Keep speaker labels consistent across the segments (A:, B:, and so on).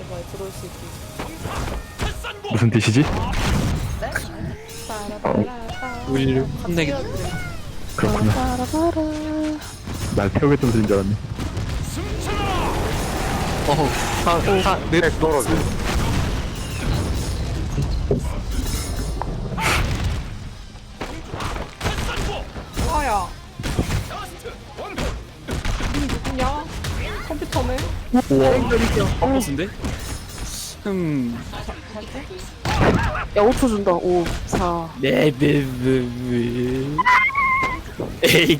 A: 말 들어올 수 있게.
B: 무슨 뜻이지?
A: 네?
C: 우리를 혼내게.
B: 그렇구나. 날 태우겠다는 소리인 줄 알았네.
C: 내
D: 떨어져.
A: 아야. 니 누구냐? 컴퓨터네.
C: 우와. 버스인데?
E: 야 5초 준다. 5 4
C: 네. 에이.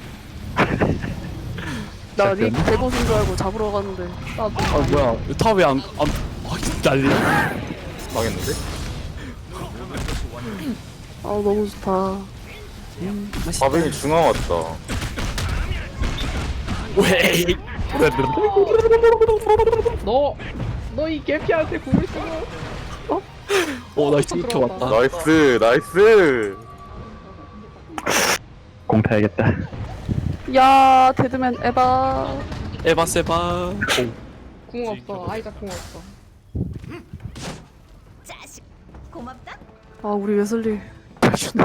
E: 나 닉 대보신 줄 알고 잡으러 갔는데 나도
C: 아 뭐야? 타왜 안 난리?
D: 망했는데?
E: 아 너무 좋다.
D: 바벨이 중앙 왔다.
C: 왜?
A: 너 이 개피한테 궁을 쓰고.
C: 나 이렇게 왔다.
D: 나이스, 나이스.
B: 공 타야겠다.
E: 야 데드맨 에바.
C: 에바 세바.
A: 궁 없어. 아이가 궁 없어.
F: 자식 고맙다.
E: 아 우리 웨슬리 해주네.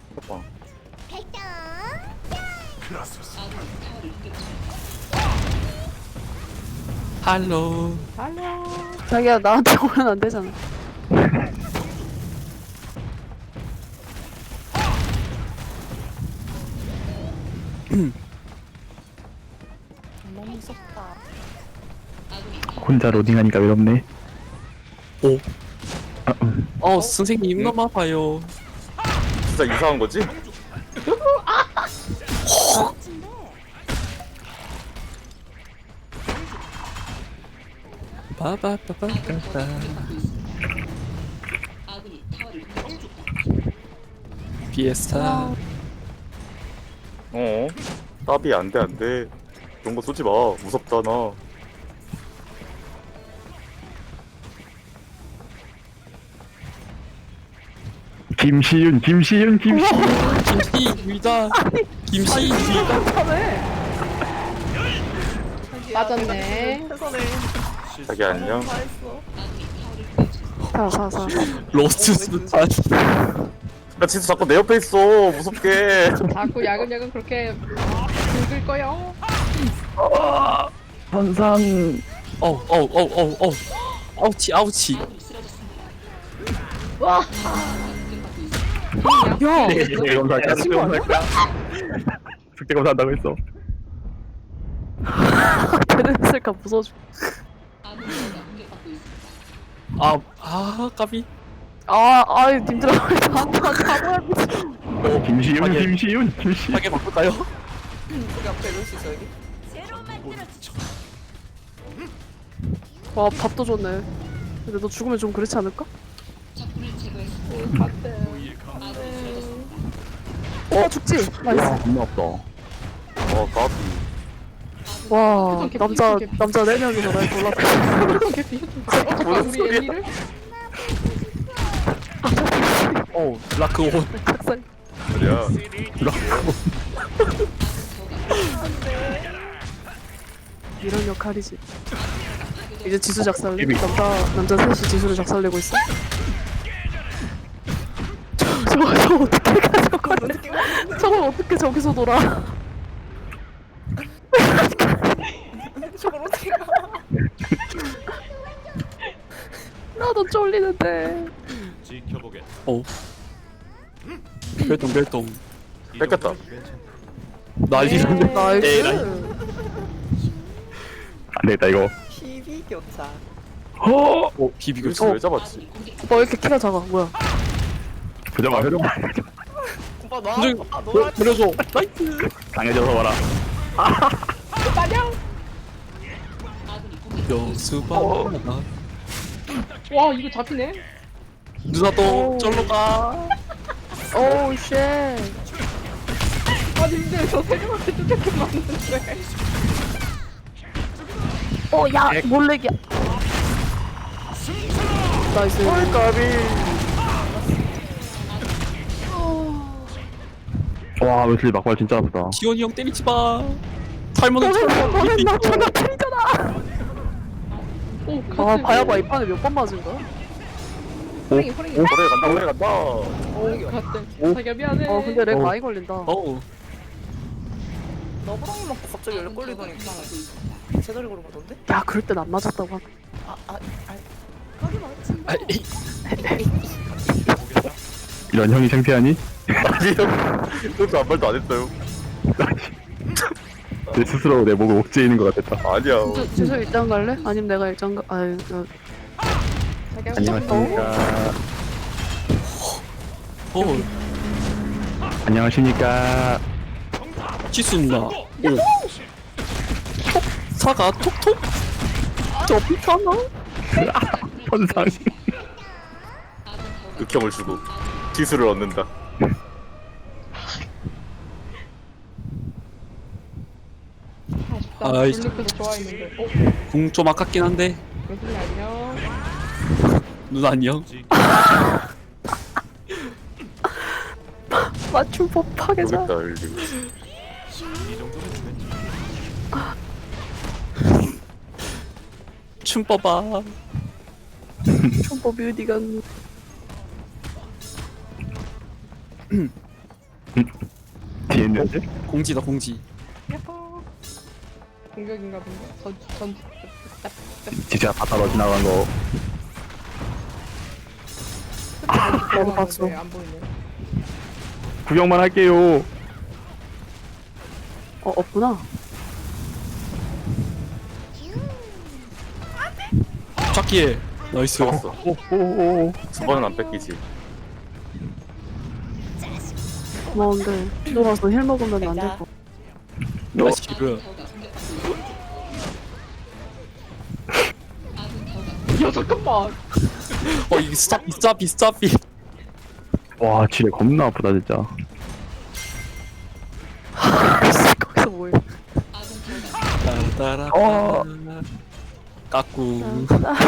C: 할로.
E: 자기야 나한테 오면 안 되잖아.
A: 너무 무섭다.
B: 혼자 로딩하니까 외롭네.
C: 오.
B: 아,
C: 선생님 너무 아파요.
D: 진짜 이상한 거지?
C: 빠바빠빠빠. 비에스타.
D: 따비 안 돼, 안 돼. 그런 거 쏘지 마. 무섭잖아.
B: 김시윤.
C: 김씨 위다. 김씨 위다.
A: 맞았네.
D: 자기 안녕.
E: 4 4 4
C: 로스트 스타.
D: 야, 진짜 자꾸 내 옆에 있어. 무섭게.
A: 자꾸 야금야금 그렇게 긁을 거요.
B: 선상.
C: 아우치.
E: 야
B: 숙제검사할까? 숙제검사할까? 숙제검사한다고 했어.
E: 데드맨 쓸까 무서워져.
C: 까비.
E: 아이 님들아 나한테 잡아야 돼.
B: 김시윤.
C: 하게 바꿀까요?
A: 우리 앞에 이럴 수 있어 여기?
F: 새로 만들어주죠.
E: 와 밥도 좋네. 근데 너 죽으면 좀 그렇지 않을까? 죽지? 나이스.
B: 겁나 없다.
D: 까비.
E: 와
A: 개피,
E: 남자
A: 개피.
E: 남자 4명이서 날 골랐다.
A: 개피. 잠깐 우리 애니를?
C: 라크 온.
E: 학살.
D: 말이야.
E: 이런 역할이지. 이제 지수 작살내. 남자 셋이 지수를 작살내고 있어. 저거 어떻게 가 저걸 어떻게 저기서 놀아?
A: 저걸 어떻게 가?
E: 나도 쫄리는데.
C: 별똥.
D: 뺏겼다.
C: 난리났네.
E: 나이스.
B: 안 되겠다 이거.
A: TV 교차.
C: 비비고
D: 이거 왜 잡았지?
E: 오빠 왜 이렇게 키가 작아? 뭐야?
B: 표정아.
A: 오빠 놔.
C: 선생님,
A: 오빠 놀아.
C: 그래서 나이스.
B: 강해져서 와라.
A: 오빠냥.
C: 여수바.
A: 와 이거 잡히네.
C: 누나도 절로 가.
E: 오우 쉣.
A: 아 님들 저 세명한테 쫓겨만 맞는데.
E: 야 몰래기야. 나이스.
B: 와 웨슬리 막발 진짜 아프다.
C: 지원이 형 때리지 마. 탈모는
E: 너는 나 존나 틀리잖아.
A: 오 오,
E: 아
A: 같은.
E: 봐야봐 이 판에 몇 번 맞은 거야?
A: 호랭이, 호랭이.
D: 오래 간다 오래 간다.
A: 오, 같은. 자기야, 미안해.
E: 근데 렉 많이 걸린다.
C: 어우
G: 너브랑이 먹고 갑자기 열 걸리더니 그냥 제자리 걸은 거던데?
E: 야 그럴 땐 안 맞았다고 하네.
F: 거기 멋진
C: 아, 에이.
B: 이런 형이 창피하니?
D: 아니요. 그것도 아무 말도 안 했어요.
B: 내 스스로 내 목을 옥죄이는 것 같았다.
D: 아니야.
E: 지수 일단 갈래? 아니면 내가 일단 가? 아유
A: 자기야,
B: 안녕하십니까.
C: 어우
B: 안녕하십니까.
C: 지수 누나 오 사과 톡톡
E: 저 비켜나?
B: 선상.
D: 극혐을 주고 지수를 얻는다.
A: 아쉽다.
C: 아이씨.
A: 블루크도 좋아했는데. 오,
C: 궁 좀 아깝긴 한데
A: 웨슬리 안녕.
C: 누나 안녕
E: 맞춤법 파괴자.
D: 모르겠다 열리고.
C: 춤 뽑아
E: 춤법이 어디 갔니?
B: 뒤에 있는데?
C: 공지다 공지
A: 야호. 공격인가 본데.
B: 진짜 바다로 지나간 거.
E: 나도 봤어.
A: 안 보이네.
B: 구경만 할게요.
E: 없구나.
C: 잡기에 나이스
D: 잡았어.
B: 오오오.
D: 두 번은 안 뺏기지.
E: 고마운데 들어가서 힐 먹으면 안 될 거.
C: 나이스 그
A: 야, 잠깐만.
C: 이게 스탑이
B: 와, 지뢰 겁나 아프다 진짜.
E: 거기서 뭐해?
C: 따라따라 까꿍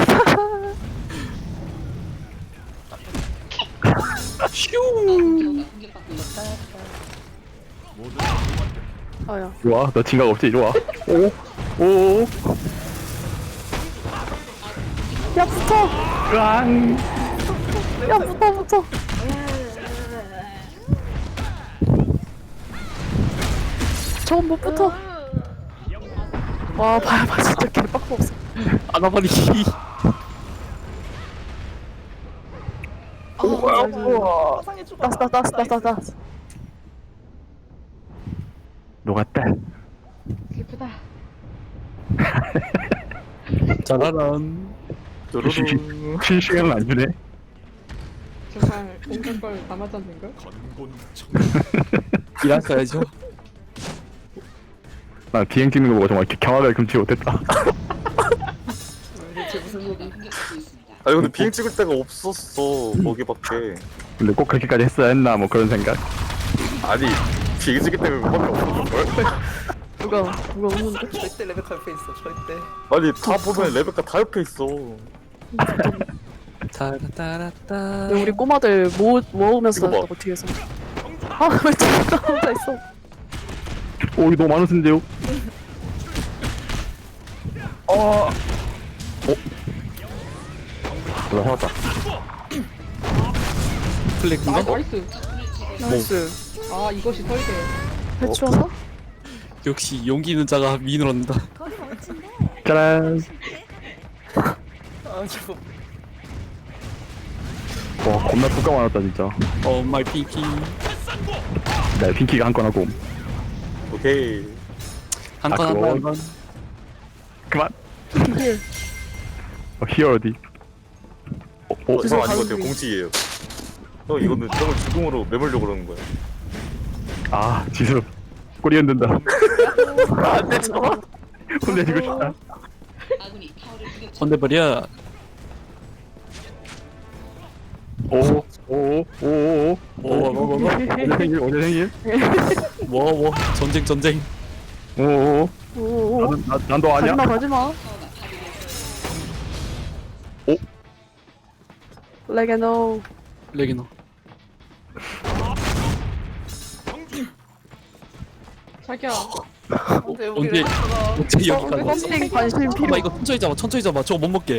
C: 슈
E: 아야.
B: 이리 와, 너 진각 없지? 이리 와. 오, 오,
E: 야 붙어.
B: 깡.
E: 야 붙어. 저건 못 붙어. 와 봐야봐 진짜 개빡 없어.
C: 아나바리
G: 화상해 주고.
E: 따스.
B: 녹았다.
A: 슬프다.
C: 짜라란
D: 뚜루루.
B: 실시간은 안 주네.
A: 정말 온갖 걸 다 맞았는걸?
C: 일했어야죠
B: 나 비행 찍는 거 보고 정말 경악을 금치 못했다.
G: 대체 무슨 소리?
D: 아니 근데 비행 찍을 데가 없었어 거기밖에.
B: 근데 꼭 그렇게까지 했어야 했나 뭐 그런 생각.
D: 아니 비행 찍을 데가 그밖에 없었걸.
E: 누가 오는데?
G: 절대 레베카 옆에 있어. 절대.
D: 아니 다 보면 레베카 다 옆에 있어.
C: 따라따라따
E: 우리 꼬마들 모으면서
D: 이거 봐.
E: 했다고 뒤에서. 아왜 진짜 혼자 있어?
B: 오, 이거 너무 많으신데요? 나 살았다.
C: 클릭인가?
A: 나이스.
E: 나이스.
A: 아, 이것이 설계.
E: 해치워서?
C: 역시 용기 있는 자가 미인을 얻는다
F: 거기 멋진데.
B: 짜란.
G: 아 저거.
B: 와, 겁나 뚜까 많았다 진짜.
C: 마이 핑키
B: 나 핑키가 한 건 하고.
D: 오케이.
C: 한건
B: 그거.
C: 한건
B: 그만. 히어 어디?
D: 형 아닌 것 같아요. 공치예요. 형 이거는 형을 죽음으로 매물려고 그러는 거야.
B: 아, 지수. 꼬리 흔든다.
D: 안돼 저거.
B: 혼내주고 싶다.
C: 건대버려
B: 오, 오.
C: 뭐
B: 오늘 생일.
C: 뭐 전쟁
B: 오.
E: 오오오.
B: 난도 아니야?
E: 가지마.
B: 오?
E: 레게노.
C: 레기노
A: 자기야,
G: 근데
C: 언제
G: 여기 가
C: 어떻게 여기까지 왔어?
E: 썸띵 관심
C: 봐봐
E: 필요.
C: 이거 천천히 잡아 저거 못 먹게.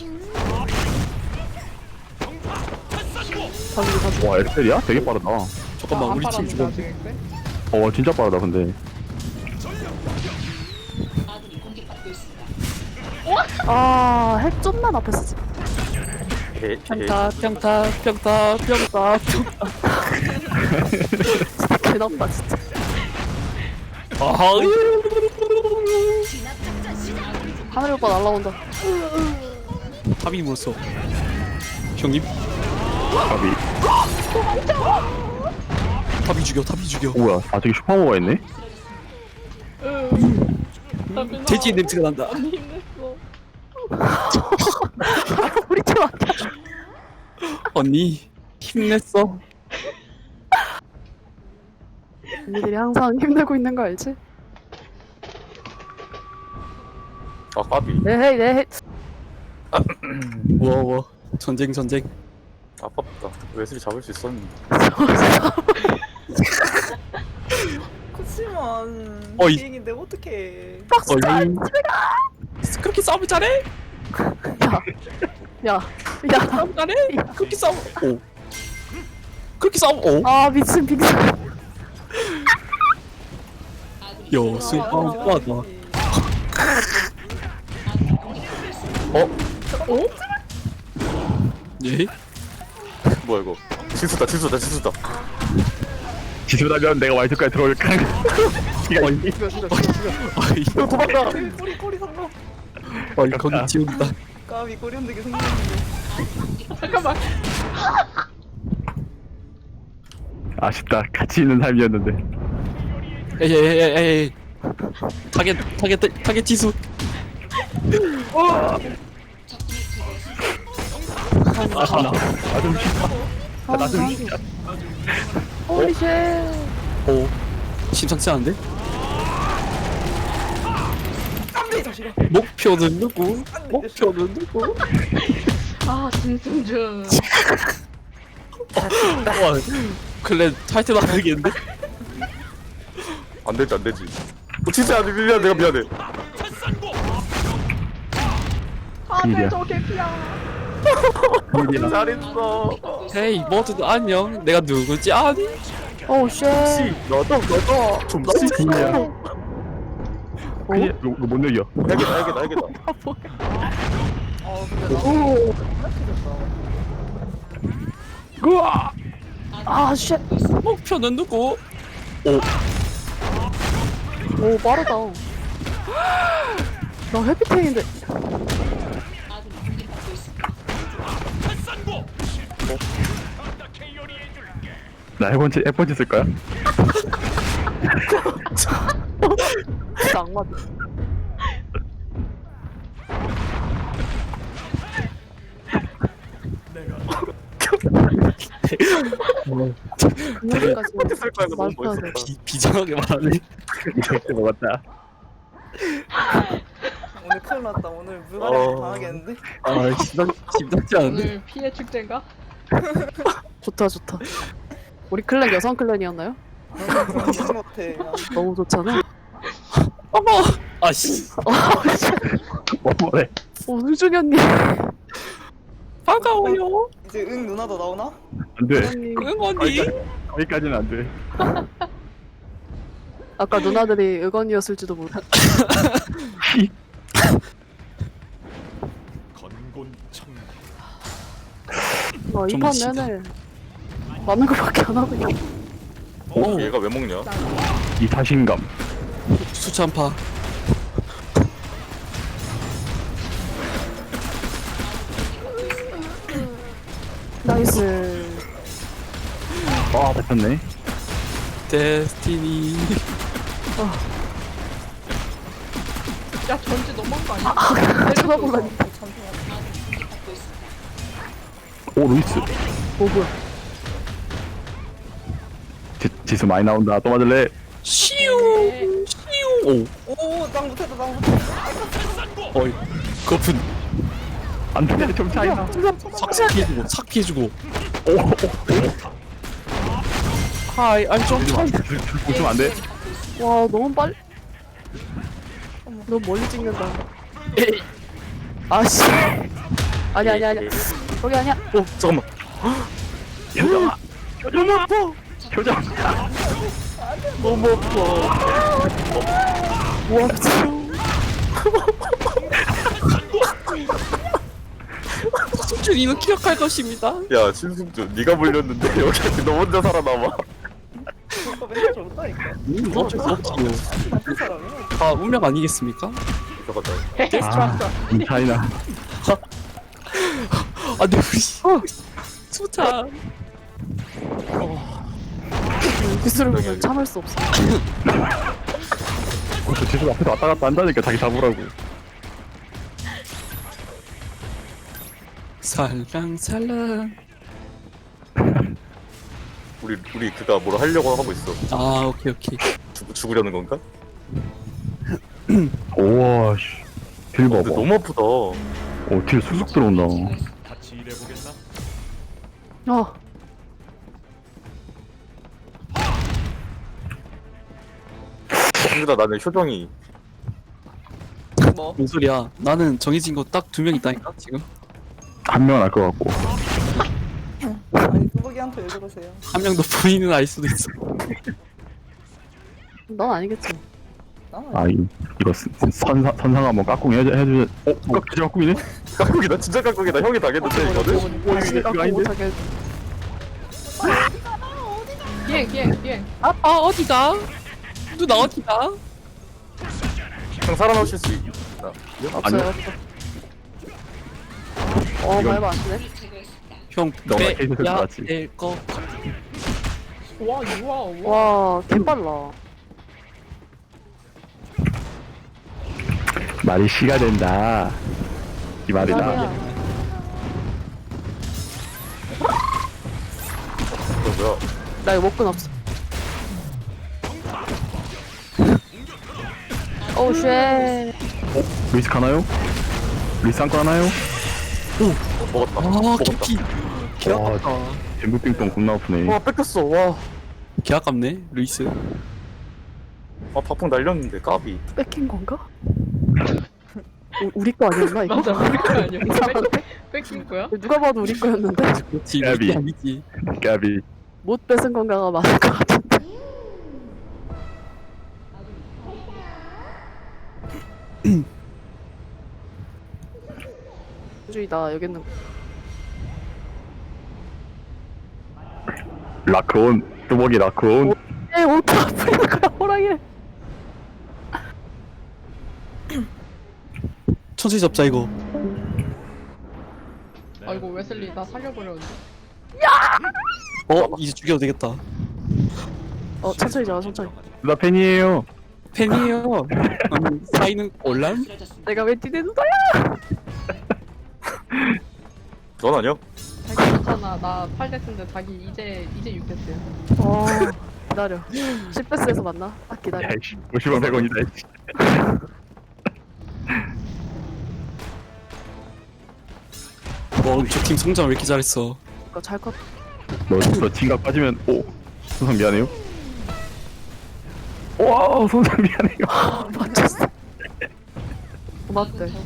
B: 와 엑셀이야? 되게 빠르다.
C: 잠깐만 우리 팀 죽어.
A: 아직 엑셀?
B: 진짜 빠르다 근데.
E: 아, 핵 좀만 앞에 쓰지.
C: 평타 평타
E: 개나빠, 진짜.
C: 아하
E: 하늘 오빠 날라온다.
C: 탑이 물었어. 형님
B: 가비.
C: 탑이 죽여.
B: 뭐야? 아 저기 슈퍼모가 있네?
C: 돼지 냄새가 난다.
E: 우리 팀 아니야.
C: 언니 힘냈어.
E: 언니들이 항상 힘내고 있는 거 알지?
D: 아 까비.
E: 네헤이, 네헤이.
C: 뭐 전쟁.
D: 아깝다. 웨슬리 잡을 수 있었는데.
G: 그치만
C: 어이.
G: 비행인데 어떡해.
C: 얼른 그렇게 싸움을 잘해?
E: 야.
C: 싸움 잘해? 그렇게 싸움 오 그렇게 싸움 오
E: 아, 미친 빅스.
C: 여수 빵빠다. 예?
D: 뭐야 이거? 지수다.
B: 지수다면 내가 와이드까지 들어올까?
C: 아이
B: 도망가.
G: 꼬리 상관.
C: 거기 지운다.
G: 까비 꼬리 흔들기 생겼는데.
A: 잠깐만.
B: 아쉽다. 같이 있는 삶이었는데.
C: 에이 타겟 지수.
B: 나좀 쉽다. 나좀 쉽다.
E: 홀리 쉣.
C: 오 심상치 않은데?
G: 안돼 자식아.
C: 목표는 누구?
A: 아, 진승준.
C: 와 클랜 타이틀 나가겠는데?
D: 안 되지. 진짜 안 돼. 내가 미안해.
A: 아,
B: 비밀이야.
A: 네, 저 개피야.
B: 비밀이야.
D: 잘했어.
C: 헤이 모두들 안녕. 내가 누구지 아니?
E: 오, 쉣.
D: 너도 좀
B: 비밀이야. 그냥 이거 못 이겨.
D: 알겠다.
B: 우와.
E: 아, 쉣.
C: 목표는 누구?
E: 오, 빠르다. 나 해피탱인데.
B: 나 해본지 쓸 거야?
E: 진짜 악마. 그날까지
D: 쓸 거야. 이거 너무
E: 말도 안 돼.
D: 멋있었다.
C: 비장하게 말하네.
B: 이렇게 먹었다.
G: 오늘 큰일 났다. 오늘 물갈이 당하겠는데?
C: 아 심상치 않은데?
A: 오늘 피해 축제인가?
E: 좋다. 우리 클랜 여성 클랜이었나요?
G: 무지 못해.
E: 너무 좋잖아.
C: 어머 아씨
B: 뭐래?
E: 오, 수준이 언니.
C: 반가워요.
G: 이제 응 누나도 나오나?
B: 안 돼.
E: 언니.
C: 응원이.
B: 거기까지는 안 돼.
E: 아까 누나들이 의건이었을지도 모르. 와,
C: 좀
E: 이판
C: 멋지다.
E: 내내 맞는 거밖에 안 하고 있어.
D: 얘가 왜 먹냐?
B: 이 자신감.
C: 수찬파.
E: 나이스.
B: 아 됐네.
C: 데스티니.
A: 야, 전지 너무한 거 아니야?
E: 쳐다보다니까.
B: 오 루이스.
E: 오, 뭐야.
B: 지수 많이 나온다. 또 맞을래?
C: 시우. 오.
G: 오땅 못했다 땅 못했다.
C: 어이. 거품.
B: 안 돼. 좀 차이나.
C: 삭 피해주고. 오. 하이, I'm 좀
B: 보시면 안 돼.
E: 와, 너무 빨리. 너무 멀리 찍는다. 아씨. 아니야. 거기 아니야.
C: 잠깐만.
B: 효정아! 효정 아파! 효정!
C: 너무 아파.
E: 와 미친.
C: 승준 이는 기억할 것입니다.
D: 야 신승준 네가 물렸는데 여기 너 혼자 살아남아.
G: 그거 맨날 저런다니까.
C: 어쩔 수 없지요.
G: 나쁜 사람이.
C: 다 운명 아니겠습니까?
D: 잠깐만.
B: 아, 차이나.
C: 아, 근데 우리 수찬.
E: 기술을 보면 참을 수 없어.
B: 저 지수 앞에서 왔다 갔다 한다니까 자기 잡으라고.
C: 살랑살랑.
D: 우리 그가 뭘 하려고 하고 있어.
C: 아, 오케이.
D: 죽으려는 건가?
B: 오와 씨. 딜
D: 근데
B: 봐봐.
D: 너무 아프다.
B: 딜 쑥쑥 들어온다.
E: 아
D: 승준아 나는 효정이
G: 뭐?
C: 뭔 소리야? 나는 정해진 거 딱 2명 있다니까 지금.
B: 한 명은 알 것 같고.
G: 아니 뚜벅이한테 왜 그러세요?
C: 한 명도 본인은 알 수도 있어.
E: 넌 아니겠지.
B: 아 이거 선상 한번 까꿍 해주. 진짜 까꿍이네?
D: 깍국이다 진짜 깍국이다. 형이 당했는데 이거는.
E: 다시 갖고 못하게.
A: 비행.
C: 아, 어디가? 누나 어디가?
D: 형 살아나오실 수 있나?
E: 없어요. 말도 안 되네.
C: 형,
B: 너가 케이스 들어갔지.
C: 될 거.
A: 와.
E: 와 개빨라.
B: 말이 씨가 된다. 이 말이다.
E: 말이야.
D: 이거 뭐야?
E: 나 이거 먹고 없어. 오 쉣.
B: 루이스 가나요? 루이스 안고 하나요?
D: 먹었다.
C: 아,
D: 먹었다.
C: 키키. 개
B: 와.
C: 아깝다.
B: 잼부빙똥 겁나 아프네.
D: 와 뺏겼어. 와.
C: 개 아깝네, 루이스.
D: 아 박풍 날렸는데 까비.
E: 뺏긴 건가? 우리 거 아니었나 이거?
A: 맞아, 우리 거 아니야.
E: 이상한데?
A: 뺏긴 거야?
E: 누가 봐도 우리 거였는데
C: 그렇지,
B: 야비.
C: 루이스 아니지.
B: 까비.
E: 못 뺏은 건가가 맞을 것 같은데. 주의다 여기 있는.
B: 라크온. 뚜벅이 라크온.
E: 에 옷다 풀리는 거야 호랑이를.
C: 천천히 잡자, 이거.
A: 아이고 웨슬리 나 살려버렸는데.
C: 이제 죽여도 되겠다.
E: 천천히 잡아 천천히.
B: 나 팬이에요.
C: 팬이에요. 사이는 올람?
E: 내가 왜 뛰는 거야?
D: 넌 아니야?
A: 자기 괜찮아. 나 8대스인데 자기 이제 6대스야.
E: 기다려. 10배스에서 만나. 딱 기다려.
B: 야이씨. 50원 100원이다.
C: 저 팀 성장 왜 이렇게 잘했어?
E: 그거 잘 컸.
B: 너 진각 빠지면 손상 미안해요. 와 손상 미안해요.
E: 맞췄어. 맞대.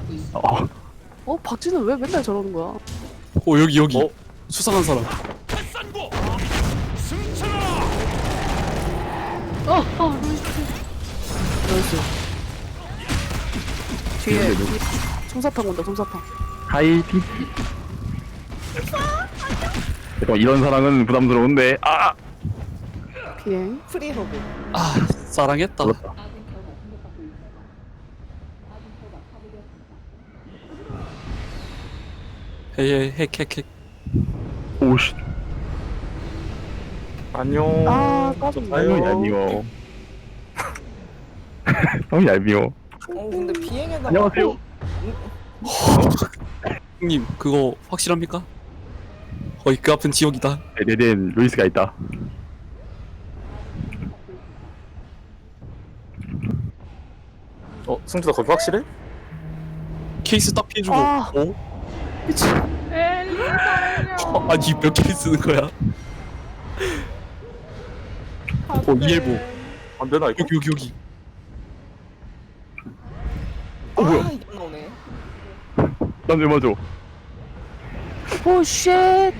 E: 박진은 왜 맨날 저러는 거야?
C: 여기.
D: 어?
C: 수상한 사람.
E: 나이스. 뒤에 솜사탕 온다 솜사탕.
B: 하이티. 잠깐 이런 사랑은 부담스러운데.
E: 비행.
G: 프리허브.
C: 아, 사랑했다. 헤헤, 핵.
B: 오씨.
D: 안녕.
E: 까비.
B: 너무 얄미워. 너무 얄미워.
G: 근데 비행에다가.
B: 안녕하세요.
C: 형님, 그거 확실합니까? 그 앞은 지옥이다.
B: 네네네 루이스가 있다.
D: 승준아 거기 확실해?
C: 케이스 딱 피해주고.
E: 미친.
A: 엘리 살려.
C: 아니, 몇 개를 쓰는 거야? 이해보.
D: 안 되나 이거?
C: 여기.
B: 뭐야?
G: 이게 안 나오네.
B: 난 왜 맞아?
E: 오 쉣.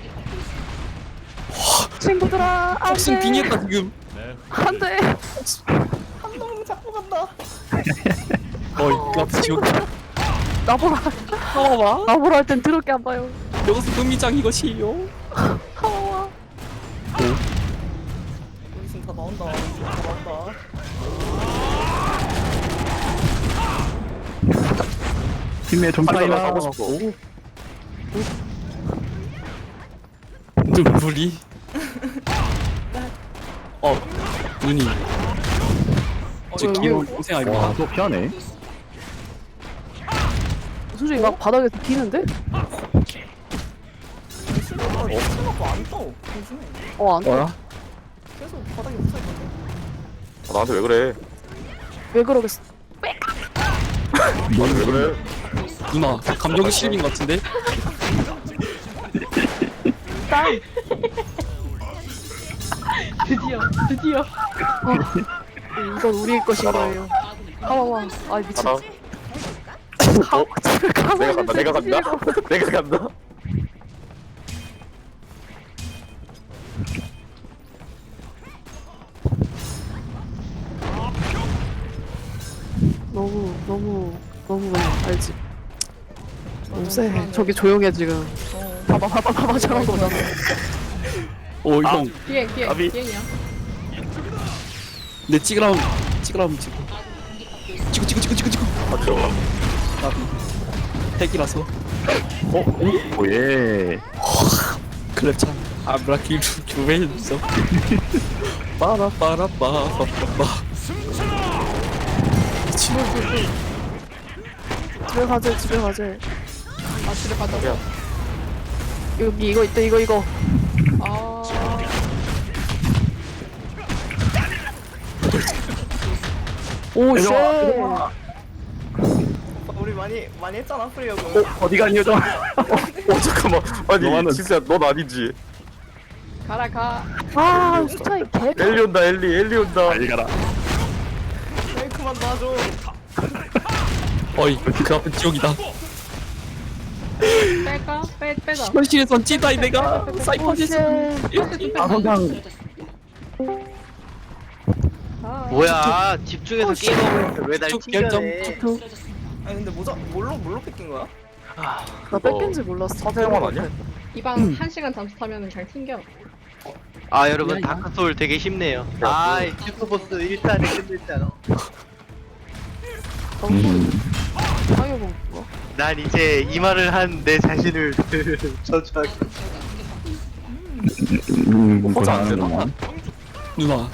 E: 친구들아
C: 복싱
E: 안돼
C: 빙했다 지금.
E: 안돼.
G: 한 놈 잡고 간다.
C: 나 지옥.
E: 나보라
C: 나와봐.
E: 나보라 할 땐 더럽게 안 봐요.
C: 여기서 금미장 이것이요.
E: 하와와.
G: 우리 지금 다 나온다. 다 나온다.
B: 팀의 전파이나.
D: 하고 싶어.
C: 눈물이. 눈이. 저 귀여운 동생 아닙니까?
B: 와, 또 피하네.
E: 솔직히 막 바닥에서 기는데?
G: 신호가 안 떠. 요즘에
E: 어안
B: 뭐야?
G: 계속 바닥에 붙어 있는데.
D: 나한테 왜 그래?
E: 왜 그러겠어?
D: 나한테 왜 그래?
C: 누나 감정 실린 것 같은데?
E: 딸.
A: 드디어.
E: 이건 우리의 것인 거예요. 하와와. 아 미친.
D: 가라. 내가 간다. 내가 간다. 내가 간다.
E: 너무 그냥 알지. 너무 세. 저기 조용해 지금. 봐봐 저런 거잖아.
C: 형.
A: 비행
D: 아비.
A: 비행이야.
C: 내 찍으라면 찍고. 찍고.
D: 아, 들어가.
C: 핵이라서.
B: 오예.
C: 클랩찬. 아브라킬 주벤서. 빠라빠라빠빠빠. 미친.
E: 집에 가재.
A: 아 집에 가자.
D: 야.
E: 여기 이거 있다 이거.
A: 아
E: 오 쉣.
G: 우리 많이 했잖아 프리어고.
B: 어디 가니 요정?
D: 잠깐만. 아니
B: 너만은-
D: 진짜 넌 아니지.
A: 가.
E: 아 스타일 개.
D: 엘리 온다. 엘리 온다.
B: 빨리 가라.
G: 왜 그만 놔줘.
C: 어이 그 앞은 지옥이다.
A: 뺄까? 빼자.
C: 현실에선 찌다이 내가
E: 오
C: 사이퍼에서.
E: 쉣.
B: 아 성장.
A: 아,
H: 뭐야 집중해서 게임하고 있는데 왜날
C: 쭉 결정.
H: 튕겨내.
G: 아니 근데 뭘로 뺏긴 거야?
E: 나 뺏긴지 몰랐어.
D: 사태영환 아니야?
A: 이방 1시간 잠수 타면은 그냥 튕겨.
H: 아 여러분 다크소울 되게 쉽네요. 아 슈퍼보스 1탄에 끝냈잖아.
E: 상여봉 뭐?
H: 난 이제 이 말을 한 내 자신을 저주하기.
B: 고생하는구만.
C: 누나.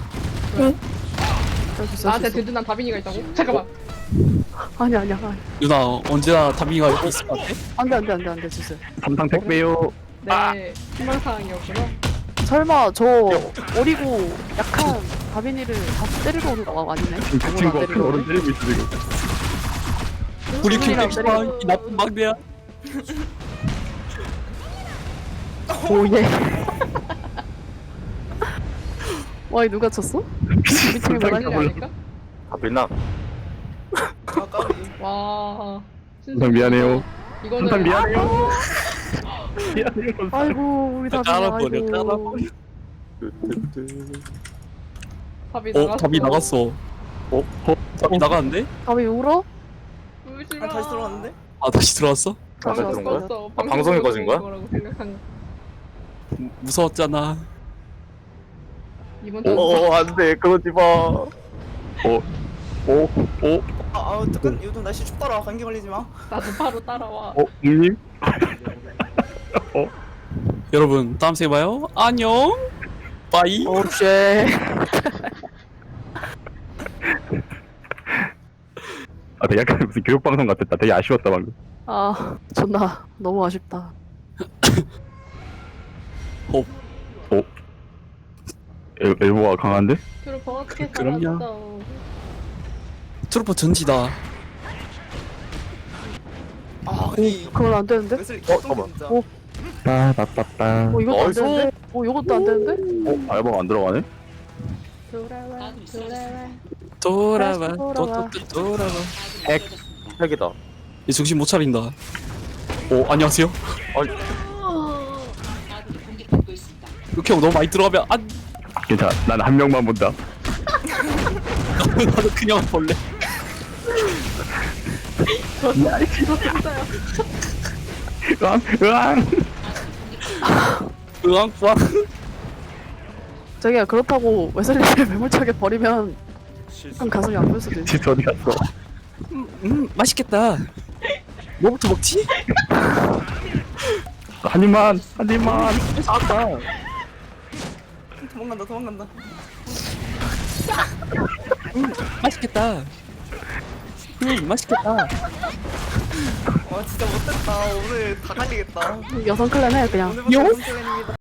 A: 나한테 든든한 다빈이가 있다고? 잠깐만.
E: 아니야.
C: 누나 언제나 다미가 여기 있을 것 같아?
E: 안돼 주세요.
B: 삼상 택배요.
A: 내 희망사항이었구나.
E: 설마 저 어리고 약한 다빈이를 다 때리러 오는 거 아니네?
B: 그 친구 앞에 어른 때리고 있어 지금.
C: 우리
E: 손이랑
C: 킬백스만 이 나쁜 막내야.
E: 오예. 와이 누가 쳤어? 미팅이
A: 뭐라는
E: 뭐라니?
A: 게 아닐까?
D: 아 빛나.
G: 아 까비.
A: 와.
B: 삼상 미안해요.
A: 이거는
B: 삼상 미안해요. 미안해요.
E: 아이고 우리 다빈이
C: 깔아버려.
E: 아이고.
A: 답이 나갔어.
C: 답이 나갔어. 답이 나갔는데?
E: 다빈이 울어?
A: 울지
G: 아
A: 마.
G: 다시 들어왔는데?
C: 아 다시 들어왔어?
A: 다시
D: 다시 들어온 거야?
A: 왔어.
D: 아, 방송에 꺼진 거야?
A: 거라고 생각한 거.
C: 무서웠잖아.
A: 이번 주
D: 안돼 그러지 마.
G: 잠깐 요즘 날씨 춥더라. 감기 걸리지 마.
A: 나도 바로 따라와.
B: 님?
C: 여러분 다음 생에 봐요. 안녕. 빠이.
E: 오쉣.
B: 아, 되게 약간 무슨 교육방송 같았다. 되게 아쉬웠다 방금.
E: 아 존나 너무 아쉽다.
B: 엘보가 강한데?
A: 트루퍼 어떻게
C: 그럼요.
A: 살았어?
C: 트루퍼 전지다.
G: 아니
E: 그건 안 되는데?
G: 웨슬리
D: 잠깐만.
G: 진짜.
B: 빠빠빠빠.
E: 이것도 안
D: 나이스.
E: 되는데? 이것도 안 되는데?
B: 알바가 안 들어가네?
A: 돌아와.
C: 돌아와.
E: 돌아와.
C: 돌아와.
D: 핵이다.
C: 얘 정신 못 차린다. 오 안녕하세요.
D: 아니
C: 이렇게 너무 많이 들어가면 안.
B: 괜찮아. 난 한 명만 본다.
C: 나도 그냥 볼래.
B: 으앙, 으앙.
C: 으앙 뿌앙.
E: 저기야 그렇다고 웨슬리를 매몰차게 버리면 좀 가슴이 아플 수도 있어.
B: 집 어디 갔어?
C: 맛있겠다. 뭐부터 먹지?
B: 한 입만, 한 입만.
C: 아까
G: 도망간다 도망간다.
C: 맛있겠다. 맛있겠다.
G: 와 진짜 못됐다. 오늘 다 갈리겠다.
E: 여성 클랜 해 그냥.
G: 오늘부터 연습생입니다.